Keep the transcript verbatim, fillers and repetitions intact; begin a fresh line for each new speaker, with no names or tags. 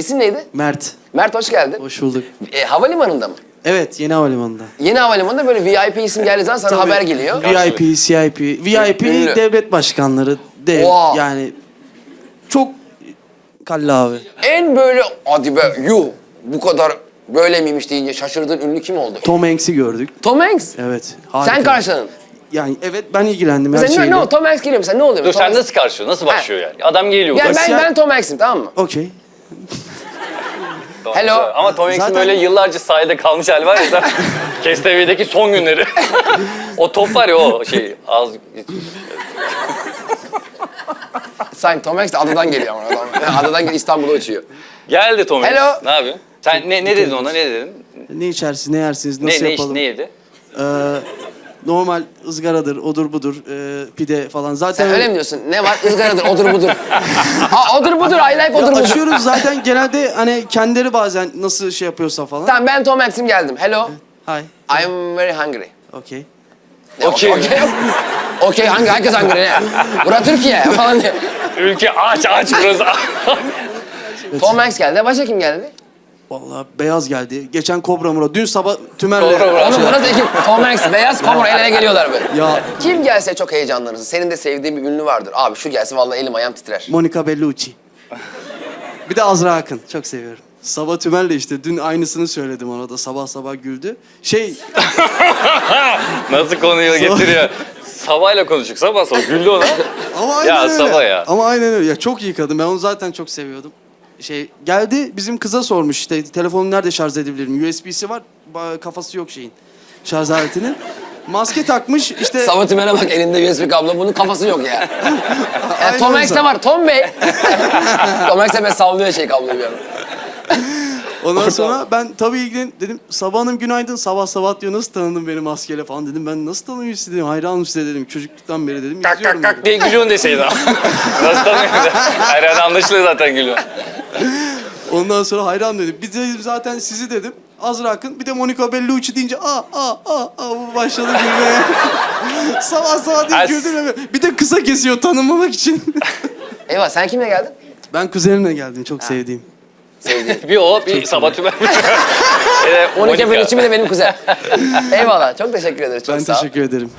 İsim neydi?
Mert.
Mert hoş geldin.
Hoş bulduk.
E, havalimanında mı?
Evet, yeni havalimanında.
Yeni havalimanında böyle V I P isim geldiği zaman sana
Tabii.
haber geliyor.
V I P, C I P. V I P
Ünlü.
devlet başkanları. Dev,
Wow.
yani çok kalla abi.
En böyle hadi be yuh bu kadar böyle miymiş deyince şaşırdığın ünlü kim oldu?
Tom Hanks'i gördük.
Tom Hanks.
Evet. Harika.
Sen karşıladın.
Yani evet, ben ilgilendim her
Mesela ne,
şeyle.
ne o Tom Hanks geliyor mu? Sen ne oluyor?
Dur
Tom
sen
Hanks-
nasıl karşılıyor? Nasıl başlıyor yani? Adam geliyor.
Yani ben,
Siyah-
ben Tom Hanks'im tamam mı?
Okey.
Tamam,
Hello.
güzel. Ama Tom Hanks'in
Zaten-
böyle yıllarca sahilde kalmış hali var ya da K S T V'deki son günleri. O top var ya o şey az...
Sanki Tom Hanks de adadan geliyor ama. Adam. Yani adadan geliyor İstanbul'a uçuyor.
Geldi Tom Hanks.
Hello.
Ne yapıyorsun? Sen ne, ne dedin ona? Ne dedin?
Ne içersiniz, ne yersiniz,
Ne,
nasıl
ne, iş,
yapalım?
ne yedi?
Ee, normal ızgaradır, odur budur, e, pide falan. Zaten
Sen öyle mi diyorsun? Ne var? Izgaradır, odur budur. Ha odur budur, I like
Ya
odur budur.
açıyoruz zaten genelde, hani kendileri bazen nasıl şey yapıyorsa falan.
Tamam ben Tom Hanks'im geldim. Hello.
Hi.
I'm very hungry.
Okey.
Ne,
Okey.
Okey. Okey hangi herkes hungry ne? Bura Türkiye falan diye.
Ülke aç aç burası.
Tom Hanks geldi. Başka kim geldi?
Vallahi beyaz geldi. Geçen Kobra Murat. Dün sabah Tümer'le...
Kobra Murat.
Oğlum burası ekip. Tom Hanks, beyaz komur el ele geliyorlar böyle.
Ya
Kim gelse çok heyecanlanırsın. Senin de sevdiğin bir ünlü vardır. Abi şu gelse vallahi elim ayağım titrer.
Monica Bellucci. Bir de Azra Akın. Çok seviyorum. Sabah Tümer'le işte. Dün aynısını söyledim ona da. Sabah sabah güldü. Şey...
Nasıl konuyu getiriyor? Sabah'la konuştuk. Sabah sabah güldü ona.
Ama aynen
Ya
öyle.
Sabah ya.
Ama aynen öyle. Ya çok iyi kadın. Ben onu zaten çok seviyordum. Şey geldi, bizim kıza sormuş işte, telefonu nerede şarj edebilirim? U S B'si var, ba- kafası yok şeyin. Şarj aletinin. Maske takmış işte.
Sabah Tümer'e bak elinde U S B kablo. Bunun kafası yok ya. Yani Tom
Aynen
Hanks'te
öyle.
var. Tom Bey. Tom Hanks'te böyle sallıyor şey kabloyu bir anda.
Ondan sonra ben tabii ilgilen dedim. Sabah Hanım günaydın. Sabah sabah diyor, nasıl tanıdın beni maskeyle falan dedim. Ben nasıl tanıyorum sizi dedim. Hayranım size dedim. Çocukluktan beri dedim.
Kak
izliyorum
kak
dedim.
kak diye gülüyorsun deseydin. Nasıl tanıyorsun? Her yerde anlaşılıyor zaten gülüyor.
Ondan sonra hayran dedim. Bir de zaten sizi dedim. Azra Akın, bir de Monica Bellucci deyince aa aa aa aa bu başladı gülmeye. Sabah sabah diye
As-
güldüm. Bir de kısa kesiyor tanınmamak için.
Eyvah sen kimle geldin?
Ben kuzenimle geldim, çok sevdiğim.
Sevdiğim.
Bir o, bir Sabah Tümer. Ee,
Monica Bellucci mi de benim kuzen. Eyvallah. Çok teşekkür ederiz. Çok
Ben
sağ ol.
teşekkür ederim.